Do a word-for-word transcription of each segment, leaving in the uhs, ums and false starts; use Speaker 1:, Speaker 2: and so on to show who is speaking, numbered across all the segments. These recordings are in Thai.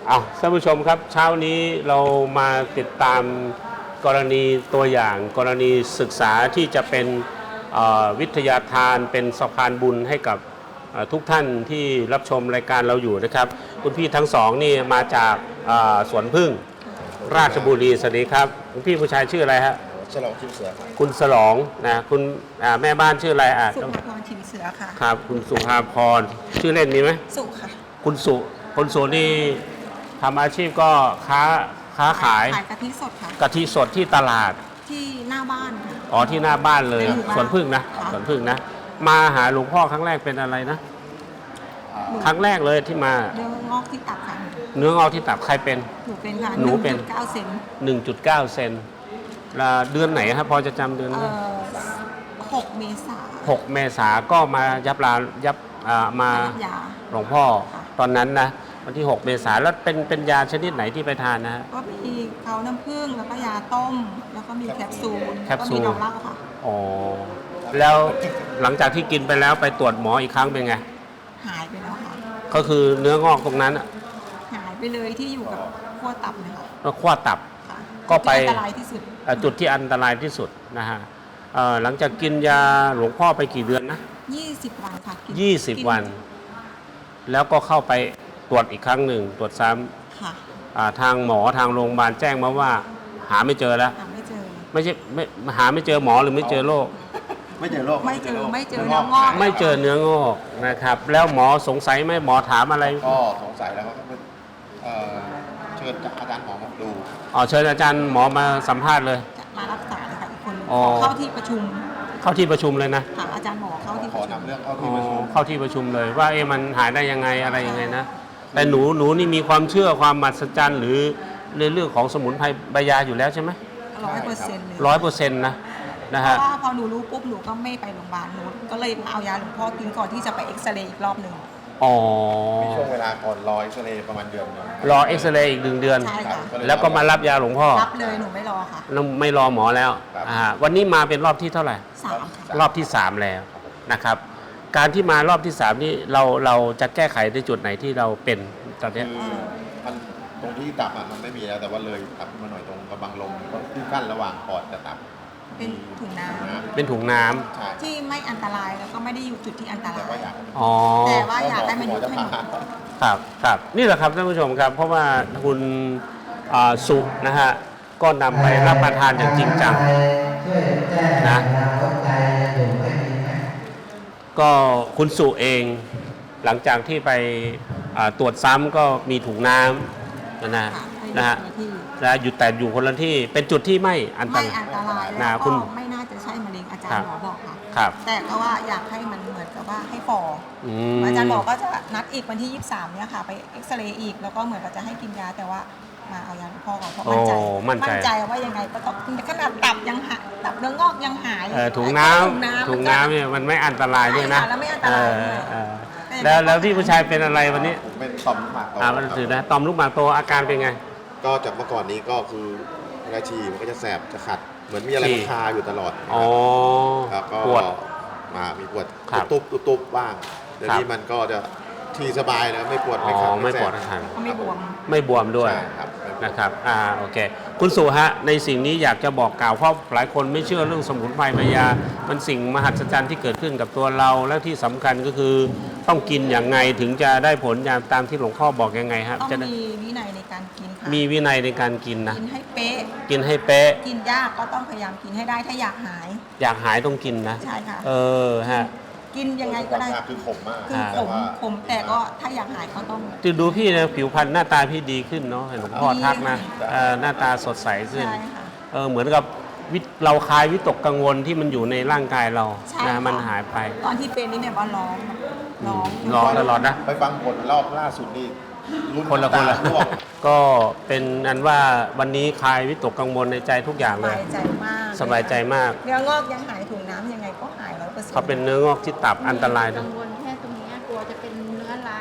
Speaker 1: เอาท่านผู้ชมครับเช้านี้เรามาติดตามกรณีตัวอย่างกรณีศึกษาที่จะเป็นวิทยาทานเป็นสะพานบุญให้กับทุกท่านที่รับชมรายการเราอยู่นะครับคุณพี่ทั้งสองนี่มาจากสวนพึ่งราชบุรีสวัสดีครับคุณพี่ผู้ชายชื่ออะไรฮะ
Speaker 2: ฉลองชิมเสือครับ
Speaker 1: คุณฉลองนะคุณแม่บ้านชื่ออะไรอ่ะ
Speaker 3: สุภาพรชิมเสือค่ะ
Speaker 1: ครับคุณสุภาพรชื่อเล่นมีไหม
Speaker 3: สุค่ะ
Speaker 1: คุณสุคุณสุนี่ทำอาชีพก็ค้าค้าขาย
Speaker 3: ขายกะทิสดค่ะ
Speaker 1: กะทิสดที่ตลาด
Speaker 3: ที่หน้าบ้านค่ะ
Speaker 1: อ๋อที่หน้าบ้านเลยสวนพึ่งนะสวนพึ่งนะมาหาหลวงพ่อครั้งแรกเป็นอะไรนะครั้งแรกเลยที่มา
Speaker 3: เนื้องอกที่ตับค่ะ
Speaker 1: เนื้องอกที่ตับใครเป็น
Speaker 3: หนูเป็นค่ะ
Speaker 1: หนูเป็น
Speaker 3: เก้าเซน
Speaker 1: หนึ่งจุดเก้าเซนเดือนไหนครับพอจะจำเดือนไหม
Speaker 3: หกเมษา
Speaker 1: หกเมษาก็มายับลายับมาหลวงพ่อตอนนั้นนะวันที่หกเมษาแล้วเป็นเป็นยาชนิดไหนที่ไปทานนะฮะ
Speaker 3: ก็มีเขาน้ำผึ้งแล้วก็ยาต้มแล้วก็มีแคปซูล
Speaker 1: แคปซูล
Speaker 3: ก็มีดอกเหล้าค่ะ
Speaker 1: อ๋อแล้วหลังจากที่กินไปแล้วไปตรวจหมออีกครั้งเป็นไง
Speaker 3: หายไปแล้วค่ะ
Speaker 1: ก็คือเนื้องอกตรงนั้น
Speaker 3: หายไปเลยที่อยู่กับขั้วตับนะคะ
Speaker 1: ก็ขั้วตับก็ไป
Speaker 3: อันตรายที่สุด
Speaker 1: จุดที่อันตรายที่สุดนะฮะหลังจากกินยาหลวงพ่อไปกี่เดือนนะ
Speaker 3: ยี่สิบวันค่ะ
Speaker 1: ยี่สิบวันแล้วก็เข้าไปตรวจอีกครั้งหนึ่งตรวจซ้ำทางหมอทางโรงพยาบาลแจ้งมาว่าหาไม่เจอแล้ว
Speaker 3: หาไม่เจอ
Speaker 1: ไม่ใช่ไม่หาไม่เจอหมอหรือไม่เจอโรค
Speaker 2: ไม่เจอโรค
Speaker 3: ไม่เจอไม่เจอเนื้องอก
Speaker 1: ไม่เจอเนื้องอกนะครับแล้วหมอสงสัยไหมหมอถามอะไร
Speaker 2: ก็สงสัยแล้วก็เชิญอาจารย์หมอมาดู
Speaker 1: อ๋อเชิญอาจารย์หมอมาสัมภาษณ์เลย
Speaker 3: มารักษาเลยค่ะอีกคนเข้าที่ประชุม
Speaker 1: เข้าที่ประชุมเลยนะ
Speaker 3: ถามอาจารย์หมอเข้าที่
Speaker 2: ขอนำเรื่องเข้าที่ประชุม
Speaker 1: เข้าที่ประชุมเลยว่าเอ๊ะมันหายได้ยังไงอะไรยังไงนะแต่หนูหนูนี่มีความเชื่อความมหัศจรรย์หรือในเรื่องของสมุนไพรใบยาอยู่แล้วใช่ไหม
Speaker 3: ร้อยเปอร์เซ็นต์เลย
Speaker 1: ร้อยเปอร์เซ็นต์นะนะฮะ
Speaker 3: เพราะว่าพอหนูรู้ปุ๊บหนูก็ไม่ไปโรงพยาบาลหนูก็เลยเอายาหลวงพ่อกินก่อนที่จะไปเอ็กซเรย์อีกรอบหนึ่ง
Speaker 1: อ๋อ
Speaker 2: มีช่วงเวลาก่อนรอเอ็กซเรย์ประมาณเดือนนึง
Speaker 1: รอเอ็กซเรย์อีกหนึ่งเดือน
Speaker 3: ใช่ค่ะ
Speaker 1: แล้วก็มารับยาหลวงพ่อ
Speaker 3: รับเลยหนูไม่รอค่ะ
Speaker 1: ไม่รอหมอแล้วอ่าวันนี้มาเป็นรอบที่เท่าไหร่
Speaker 3: สาม
Speaker 1: รอบที่สามแล้วนะครับการที่มารอบที่สามนี้เราเราจะแก้ไขในจุดไหนที่เราเป็นตอนนี้
Speaker 2: มันตรงที่ตับมันไม่มีแล้วแต่ว่าเลยตับมาหน่อยตรงกระบังลมที่กั้นระหว่างปอดกับตับ
Speaker 3: เป็นถุงน้ำ
Speaker 1: เป็นถุงน้ำ
Speaker 3: ที่ไม่อันตรายแล้วก็ไม่ได้อยู่จุดที่อันตราย
Speaker 1: อ๋อ
Speaker 3: แต่ว่าอยากให้มันอยู่ให้หมด
Speaker 1: ครับครับนี่แหละครับท่านผู้ชมครับเพราะว่าคุณสุนะฮะก็นำไปรับประทานอย่างจริงจังนะก็คุณสุเองหลังจากที่ไปตรวจซ้ำก็มีถุงน้ำนะนะนะฮะนะอยู่แต่อยู่คนละที่เป็นจุดที่ไม่อันตราย
Speaker 3: ไม่อันตรายแล้วก็ไม่น่าจะใช่มะเร็งอาจารย์หมอบอกค่ะ
Speaker 1: ครับ
Speaker 3: แต่ก็ว่าอยากให้มันเหมือนกับว่าให้ฟออาจารย์บอกก็จะนัดอีกวันที่ยี่สิบสามเนี่ยค่ะไปเอ็กซเรย์อีกแล้วก็เหมือนกับจะให้กินยาแต่ว่ามาเอายาหลวงพ่อก่อนเพราะมั่นใจมั่นใจว่ายังไงก็ต้องขนาดตับยังหายตับเนื้องอกยังหาย
Speaker 1: ถุงน้ำถุงน้ำเนี่ยมันไม่อันตรายด้วยนะ
Speaker 3: แล้วไม่อันตราย
Speaker 1: แล้วแล้วที่ผู้ชายเป็นอะไรวันนี้
Speaker 2: เป็นต่อมลูกหมากโต
Speaker 1: อ่ามันถือนะต่อมลูกหมากโตอาการเป็นไง
Speaker 2: ก็จากเมื่อก่อนนี้ก็คือเวลาฉี่มันก็จะแสบจะขัดเหมือนมีอะไรคาอยู่ตลอด
Speaker 1: อ๋อ
Speaker 2: แล้วก็ปวดมามีปวดตุ๊บตุ๊บตุ๊บบ้างเดี๋ยวนี้มันก็จะทีสบายแล้วไม่ปวดไม่ขัด
Speaker 1: ไม่ปวดขัด
Speaker 3: ไม่บวม
Speaker 1: ไม่บวมด้วยนะครับอ่าโอเคคุณสุฮะในสิ่งนี้อยากจะบอกกล่าวเพราะหลายคนไม่เชื่อเรื่องสมุนไพรใบยามันสิ่งมหัศจรรย์ที่เกิดขึ้นกับตัวเราและที่สำคัญก็คือต้องกินอย่างไงถึงจะได้ผลอย่างตามที่หลวงพ่อบอกยังไงครับ
Speaker 3: ต้องมีวินัยในการกินค่ะ
Speaker 1: มีวินัยในการกินนะ
Speaker 3: กินให้เป๊ะ
Speaker 1: กินให้เป๊ะ
Speaker 3: กินยากก็ต้องพยายามกินให้ได้ถ้าอยากหาย
Speaker 1: อยากหายต้องกินนะ
Speaker 3: ใช่ค่ะ
Speaker 1: เออฮะ
Speaker 3: กินยังไงก็ได้
Speaker 2: คือขมมาก
Speaker 3: คือขมขมแต่ก็ถ้าอยากหายก็ต้อง
Speaker 1: จะดูพี่นะผิวพรรณหน้าตาพี่ดีขึ้นเนาะหลวงพ่อทักนะหน้าตาสดใสขึ้นเออเหมือนกับเราคลายวิตกกังวลที่มันอยู่ในร่างกายเรานะมันหายไป
Speaker 3: ตอนที่เป็นนี่แบบว่าร้องร้อง
Speaker 1: ร้องตลอดนะ
Speaker 2: ไปฟังผลรอบล่าสุดนี่
Speaker 1: คนละคนละก็เป็นอันว่าวันนี้คลายวิตกกังวลในใจทุกอย่างเลย
Speaker 3: สบายใจมาก
Speaker 1: สบายใจมาก
Speaker 3: เนื้องอกยังหายถุงน้ำยังไงก็หายร้อยเปอร์เซ็นต์
Speaker 1: เขาเป็นเนื้องอกที่ตับอันตรายนะ
Speaker 4: กังวลแค่ตรงนี้กลัวจะเป็นเนื้อร้ายแค่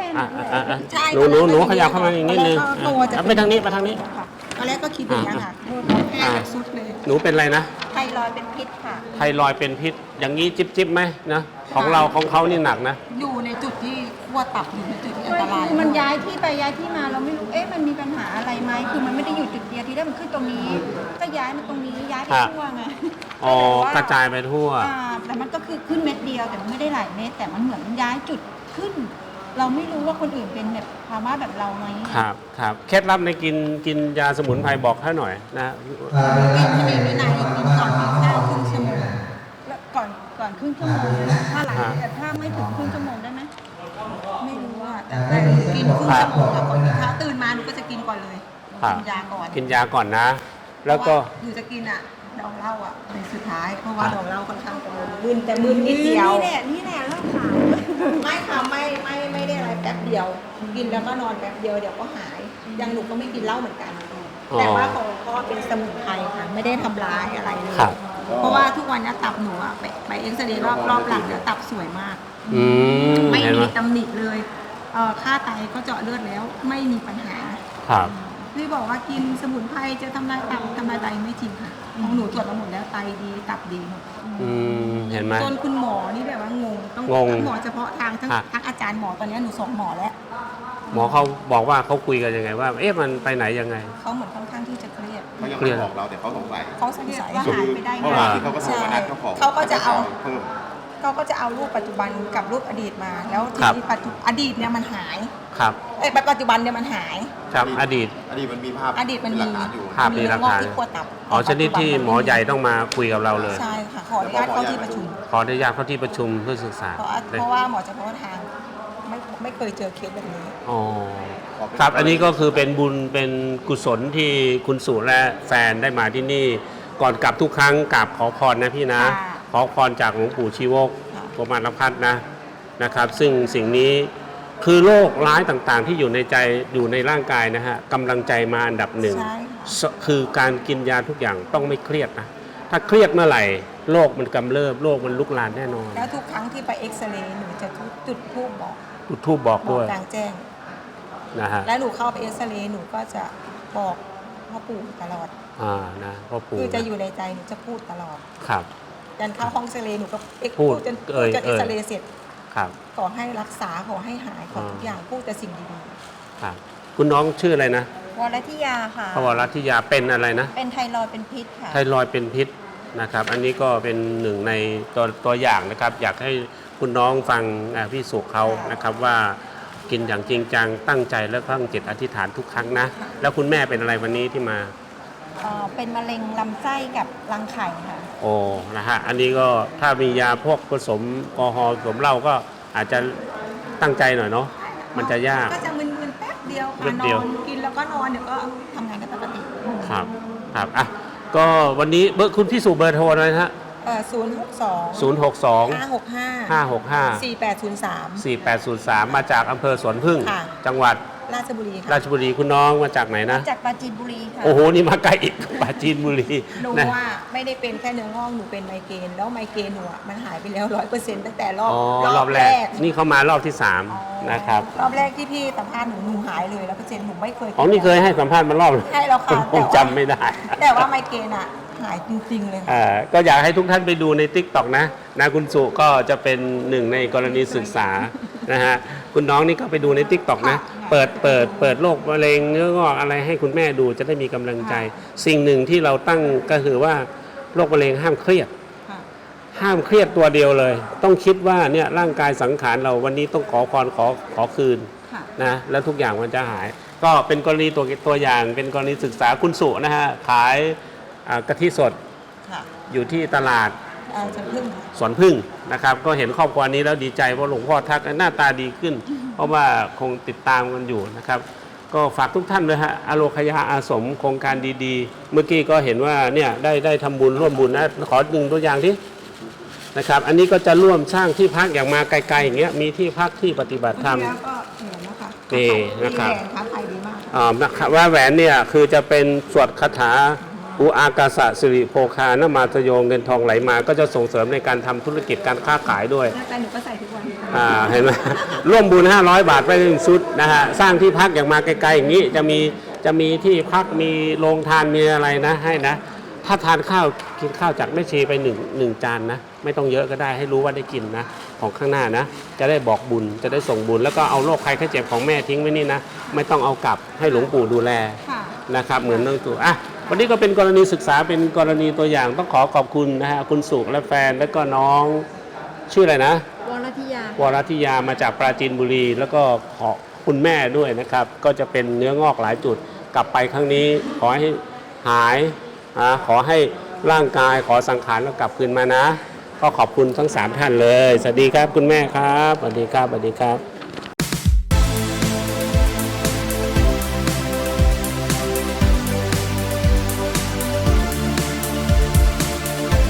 Speaker 1: อ่ะอ่ะอ่ะ
Speaker 3: ใช่
Speaker 1: หนูหนูหนู
Speaker 3: ตอนแรก
Speaker 1: ขยับเข้ามาอีกนิดนึง
Speaker 3: ตอนแรกก็ตัวจะ
Speaker 1: อ่ะไปทางนี้ไปทางนี้
Speaker 3: ค่ะตอนแรกก็คิดอย่างนี้ยค่ะแค่สุดเลย
Speaker 1: หนูเป็นอะไรนะ
Speaker 3: ไทรอยด์เป็นพิษค่ะ
Speaker 1: ไทรอยด์เป็นพิษ อย่างนี้จิบจิบไหมนะของเราของเขานี่หนักนะ
Speaker 3: อยู่ในจุดที่ขั้วตับอยู่ในจุดที่อันตราย
Speaker 4: คือมันย้ายที่ไปย้ายที่มาเราไม่รู้ เอ๊ะมันมีปัญหาอะไรไหมคือมันไม่ได้อยู่จุดเดียวที่ได้มันขึ้นตรงนี้ ก็ย้ายมาตรงนี้ย้ายไป
Speaker 1: ครับ
Speaker 4: ทั่วไง
Speaker 1: อ๋อกระจายไปทั่ว
Speaker 4: อ่าแต่มันก็คือขึ้นเม็ดเดียวแต่มันไม่ได้หลายเม็ดแต่มันเหมือนมันย้ายจุดขึ้น เราไม่รู้ว่าคนอื่นเป็นแบบภาวะแบบเราไหม
Speaker 1: ครับครับเคล็ดลับในกินกินยาสมุนไพรบอกให้หน่อยนะ
Speaker 3: กินที่มีวินัยกินก่อนกินข้าวครึ่งชั่วโมง
Speaker 4: แล้วก่อนก่อนครึ่งชั่วโมงถ้าหลังแต่ถ้าไม่ถึงครึ่งชั่วโมงได้ไหม
Speaker 3: ไม่รู้ว่าแต่แต่หนูกินครึ่งชั่วโมงค่ะก่อนกินข้าวตื่นมาหนูก็จะกินก่อนเลย
Speaker 1: ครับ
Speaker 3: กินยาก่อน
Speaker 1: กินยาก่อนนะ แล้วก็
Speaker 3: เพราะาหนูจะกินอ่ะดองเหล้าอ่ะเป็นสุดท้ายเพราะว่าดองเหล้าค่อนข้างจะมึนแต่มึนนิดเดียว
Speaker 4: นี่แหละนี่แหละเล่าขาว
Speaker 3: ไม่ค่ะไม่ไม่ไม่ได้อะไรแป๊บเดียว กินแล้วก็นอนแป๊บเดียวเดี๋ยวก็หายอยังหนูก็ไม่กินเหล้าเหมือนกัน แต่ว่าของก็เป็นสมุนไพรค่ะไม่ได้ทำร้ายอะไรเลย
Speaker 1: ครับ
Speaker 3: เพราะว่าทุกวันนี้ตับหนูอะไปไปเอ็กซเรย์รอบรอบหลังเนี่ยตับสวยมาก
Speaker 1: อืม
Speaker 3: ไม่
Speaker 1: เห็นไหม
Speaker 3: มีตำหนิเลยเอ่อค่าไตก็เจาะเลือดแล้วไม่มีปัญหา
Speaker 1: ครับ
Speaker 3: พี่บอกว่ากินสมุนไพรจะทำลายตับทำลายไตไม่จริงค่ะของหนูตรวจมาหมดแล้วไตดีตับดีหมด
Speaker 1: อืมเห็นไหม
Speaker 3: จนคุณหมอนี่แบบว่างงต้อง
Speaker 1: งง
Speaker 3: ทั้หมอเฉพาะทางทั้ง
Speaker 1: อ่ะ
Speaker 3: ทั้งอาจารย์หมอตอนนี้หนูสองหมอแล้ว
Speaker 1: หมอเขาบอกว่าเขาคุยกันยังไงว่า เอ๊ะมันไปไหนยังไง
Speaker 3: เขาเหมือนค่อนข้างที่จะเครียด
Speaker 2: เขายังไม่บอกเราแต่เขาสงสัย
Speaker 3: เขาสงสัย
Speaker 4: ว่า
Speaker 2: คือ
Speaker 4: หายไปได้
Speaker 2: เมื่อ
Speaker 4: ไง
Speaker 2: วานที่เขาก็โทรมานัดเจ้าของ
Speaker 3: เขาก็จะเอา
Speaker 2: เพิ่ม
Speaker 3: เขาก็จะเอารูปปัจจุบันกับรูปอดีตมา แล้วที
Speaker 1: ครับ
Speaker 3: นี้ปัจจุอดีตเนี่ยมันหาย
Speaker 1: ครับ
Speaker 3: เอ้ยปัจจุบันเนี่ยมันหาย
Speaker 1: ครับอดีต
Speaker 2: อดีตมันมีภาพ
Speaker 3: อดีตมัน
Speaker 2: เป็
Speaker 3: มี
Speaker 2: หลักฐานอยู่
Speaker 1: ภาพมีหลักฐาน
Speaker 3: เนื้องอกที่ขั้วตับ
Speaker 1: อ๋อชนิดที่หมอใหญ่ต้องมาคุยกับเราเลย
Speaker 3: ใช่ค่ะขออนุญาตเข้าที่ประชุม
Speaker 1: ขออนุญาตเข้าที่ประชุมเพื่อศึกษา
Speaker 3: เพราะว่าเพราะว่าหมอเฉพาะทางไม่ไม่เคยเจอเคสแบบนี้
Speaker 1: อ๋อครับอันนี้ก็คือเป็นบุญเป็นกุศลที่คุณสุและแฟนได้มาที่นี่ ก่อนกลับทุกครั้งกราบขอพรนะพี่นะ
Speaker 3: ค่ะ
Speaker 1: ขอพรจากหลวงปู่ชีวก
Speaker 3: ค่ะ
Speaker 1: พรหมานพัฒน์นะนะครับ ซึ่งสิ่งนี้คือโรคร้ายต่างๆ ที่อยู่ในใจอยู่ในร่างกายนะฮะกำลังใจมาอันดับหนึ่ง
Speaker 3: ใช่ค่ะ
Speaker 1: คือการกินยาทุกอย่างต้องไม่เครียดนะถ้าเครียดเมื่อไหร่โรคมันกำเริบโรคมันลุกลามแน่นอน
Speaker 3: แล้วทุกครั้งที่ไปเอ็กซเรย์หนูจะจุดทูบบอก
Speaker 1: จุดทูบบอก
Speaker 3: บอ
Speaker 1: ด้
Speaker 3: ก
Speaker 1: วย
Speaker 3: กลางแจ้ง
Speaker 1: นะฮะ
Speaker 3: แล้วหนูเข้าไปเอ็กซเรย์หนูก็จะบอกพ่อปู่ตลอด
Speaker 1: อ่านะพ่อปู่
Speaker 3: คือจะ
Speaker 1: นะ
Speaker 3: อยู่ในใจหนูจะพูดตลอด
Speaker 1: ครับ
Speaker 3: ยันเข้าห้องเอ็กซเรย์หนูก็เอ็ก
Speaker 1: พูด
Speaker 3: จน
Speaker 1: เอ่ย
Speaker 3: จนเอ็กซเรย์เสร็จ
Speaker 1: ครับ
Speaker 3: ขอให้รักษาขอให้หายขอทุก
Speaker 1: อ่า
Speaker 3: อย่างพูดแต่สิ่งดี
Speaker 1: ครับคุณน้องชื่ออะไรนะ
Speaker 4: วรทิยาค่ะ
Speaker 1: พวรัตทิยาเป็นอะไรนะ
Speaker 4: เป็นไทรอยด์เป็นพิษค่ะ
Speaker 1: ไทรอยด์เป็นพิษนะครับ อันนี้ก็เป็นหนึ่งในตัวตัวอย่างนะครับ อยากให้คุณน้องฟังอ่าพี่สุเขานะครับว่ากินอย่างจริงจังตั้งใจและตั้งจิตอธิษฐานทุกครั้งนะ แล้วคุณแม่เป็นอะไรวันนี้ที่มา
Speaker 4: เอ่อเป็นมะเร็งลำไส้กับรังไข่ค่ะ
Speaker 1: โอ้นะฮะอันนี้ก็ถ้ามียาพวกผสมแอลกอฮอล์ผสมเหล้าก็อาจจะตั้งใจหน่อยเนาะ
Speaker 3: ๆ
Speaker 1: มันจะยาก
Speaker 3: ก็จะมึนๆแป๊บเดียว
Speaker 1: แป๊
Speaker 3: ค่ะ
Speaker 1: บ
Speaker 3: น
Speaker 1: เดียว
Speaker 3: อนกินแล้วก็นอนเดี๋ยวก็ทำงานได้ปกติ
Speaker 1: ครับครับอ่ะก็วันนี้เบอร์คุณพี่สุเบอร์โทรเลยนะฮะ
Speaker 3: เอ่อศูนย์หกสอง
Speaker 1: ศูนย์หกสอง
Speaker 3: ห้าหกห้า
Speaker 1: ห้าหกห้า
Speaker 3: สี่แปดศูนย์สาม
Speaker 1: สี่แปดศูนย์สามมาจากอำเภอสวนพึ่ง
Speaker 3: ค่ะ
Speaker 1: จังหวัด
Speaker 3: ราชบุรีค่ะ
Speaker 1: ราชบุรีคุณน้องมาจากไหนนะ
Speaker 4: จากปราจีนบุรีค่ะ
Speaker 1: โอ้โห นี่มาไกลอีก ปราจีนบุรี
Speaker 3: หนู
Speaker 1: นะ
Speaker 3: ว่าไม่ได้เป็นแค่เนื้องอกหนูเป็นไมเกรนแล้วไมเกรนหนูอะมันหายไปแล้วร้อยเปอร์เซ็นต์ตั้งแต่รอบ
Speaker 1: อ๋อรอบแรก นี่เขามารอบที่สามนะครับ
Speaker 3: รอบแรกที่พี่สัมภาษณ์หนูหนูหายเลยแล้วเปอร์เซ็นต์หนูไม่เคย
Speaker 1: อ๋อนี่เคยให้สัมภาษณ์มารอบ
Speaker 3: ให้แล้วค่ะ
Speaker 1: ผมจำไม่ได้
Speaker 3: แต่ว่าไมเกรนอะหายจริงๆเลยค่ะ
Speaker 1: เอ่อก็อยากให้ทุกท่านไปดูใน ติ๊กต็อก นะนะคุณสุก็จะเป็นหนึ่งในกรณีศึกษานะฮะคุณน้องนี่ก็ไปดูใน ติ๊กต็อก นะ เปิดเปิดเปิดโรคมะเร็งเนื้องอกอะไรให้คุณแม่ดูจะได้มีกำลังใจ สิ่งหนึ่งที่เราตั้งก็คือว่าโรคมะเร็งห้ามเครียด
Speaker 3: ค่ะ
Speaker 1: ห้ามเครียดตัวเดียวเลย ต้องคิดว่าเนี่ยร่างกายสังขารเราวันนี้ต้องขอพรขอขอคืน
Speaker 3: ค่ะ
Speaker 1: นะแล้วทุกอย่างมันจะหาย ก็เป็นกรณีตัวตัวอย่างเป็นกรณีศึกษาคุณสุนะฮะขายอ่ากะทิสด
Speaker 3: ค่ะ
Speaker 1: อยู่ที่ตลาด
Speaker 3: เอ่อจะพึ่งค่ะ
Speaker 1: สวนพึ่งนะครับ ก็เห็นครอบครัวนี้แล้วดีใจเพราะหลวงพ่อทักหน้าตาดีขึ้น เพราะว่าคงติดตามกันอยู่นะครับ ก็ฝากทุกท่านเลยฮะอโลคยาอาสมโครงการดีๆ เมื่อกี้ก็เห็นว่าเนี่ยได้ได้ทำบุญร่วมบุญนะขอหนึ่งตัวอย่างที่นะครับ อันนี้ก็จะร่วมสร้างที่พักอย่างมาไกลๆอย่างเงี้ยมีที่พักที่ปฏิบัติธรรม
Speaker 3: แล้วก็เหมือนนะคะ
Speaker 1: นี่นะครับ
Speaker 3: ดีแรงค้าขายดีมาก
Speaker 1: อ่านะครับว่าแหวนเนี่ยคือจะเป็นสวดคาถาอุอากาสะสิริโภคานมาตโยเงินทองไหลมาก็จะส่งเสริมในการทำธุรกิจการค้าขายด้วย
Speaker 3: แต่หนูก็ใส่ทุกวัน
Speaker 1: อ่าเห็นไหม ร่วมบุญห้าร้อยบาทไปหนึ่งชุดนะฮะสร้างที่พักอย่างมาไกลๆอย่างนี้จะมีจะมีที่พักมีโรงทานมีอะไรนะให้นะถ้าทานข้าวกินข้าวจากแม่ชีไปหนึ่งหนึ่งจานนะไม่ต้องเยอะก็ได้ให้รู้ว่าได้กินนะของข้างหน้านะจะได้บอกบุญจะได้ส่งบุญแล้วก็เอาโรคภัยไข้เจ็บของแม่ทิ้งไว้นี่นะไม่ต้องเอากลับให้หลวงปู่ดูแล
Speaker 3: ค่ะ
Speaker 1: นะครับเหมือนน้องตู่อ่ะวันนี้ก็เป็นกรณีศึกษาเป็นกรณีตัวอย่างต้องขอขอบคุณนะฮะคุณสุและแฟนแล้วก็น้องชื่ออะไรนะ
Speaker 3: วรธิยาว
Speaker 1: รธิยามาจากปราจีนบุรี แล้วก็ขอคุณแม่ด้วยนะครับ ก็จะเป็นเนื้องอกหลายจุดกลับไปครั้งนี้ขอให้หายอ่าขอให้ร่างกายขอสังขารแล้วกลับคืนมานะ ก็ขอบคุณทั้งสามท่านเลย สวัสดีครับคุณแม่ครับสวัสดีครับสวัสดีครับ